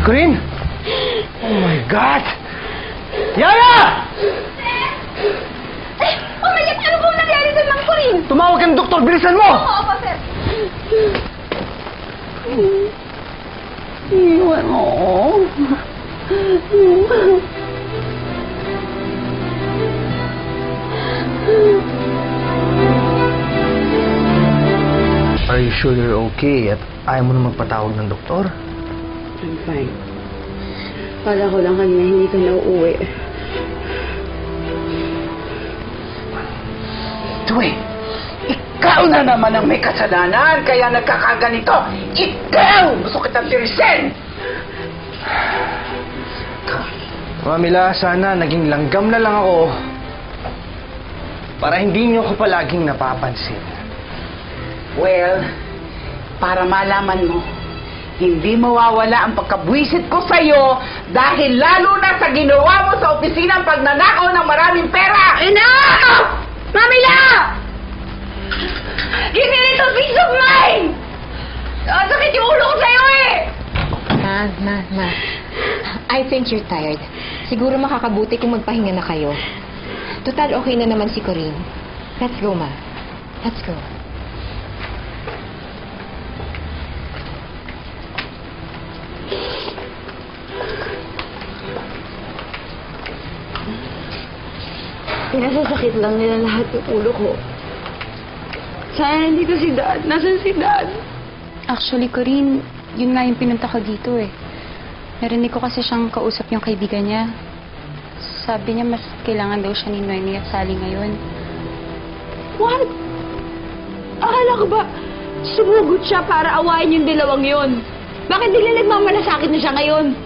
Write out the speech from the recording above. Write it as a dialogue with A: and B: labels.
A: Corinne! Oh my God! Yaya!
B: Oh my God! Ano pong nangyari doon, Ma'am Corinne?
A: Tumawag ka ng doktor! Bilisan mo!
B: Opo, sir. Iwan mo.
A: Are you sure you're okay at ayaw mo na magpatawag ng doktor?
B: I'm fine. Kala ko lang kanina hindi ka nauuwi.
C: Tuwi, ikaw na naman ang may kasalanan, kaya nagkakaganito. Ikaw! Gusto kitang tirisin!
A: Mamila, sana naging langgam na lang ako para hindi niyo ko palaging napapansin.
C: Well, para malaman mo, hindi mawawala ang pagkabwisit ko sa'yo dahil lalo na sa ginawa mo sa opisina ang pagnanakaw ng maraming pera!
B: Enough! Mamila! Give me a little peace of mind! Sakit yung ulo ko sa'yo eh!
D: Ma. I think you're tired. Siguro makakabuti kung magpahinga na kayo. Total, okay na naman si Corinne. Let's go, Ma. Let's go.
B: Pinasasakit lang nila lahat yung ulo ko. Sana nandito si Dad. Nasaan si Dad?
E: Actually, Corinne, yun nga yung pinunta ko dito eh. Narinig ko kasi siyang kausap yung kaibigan niya. Sabi niya mas kailangan daw siya ni Noemi at Sally ngayon.
B: What? Akala ko ba sumugot siya para awayin yung dalawang yon? Bakit bigla nagmamalasakit na siya ngayon?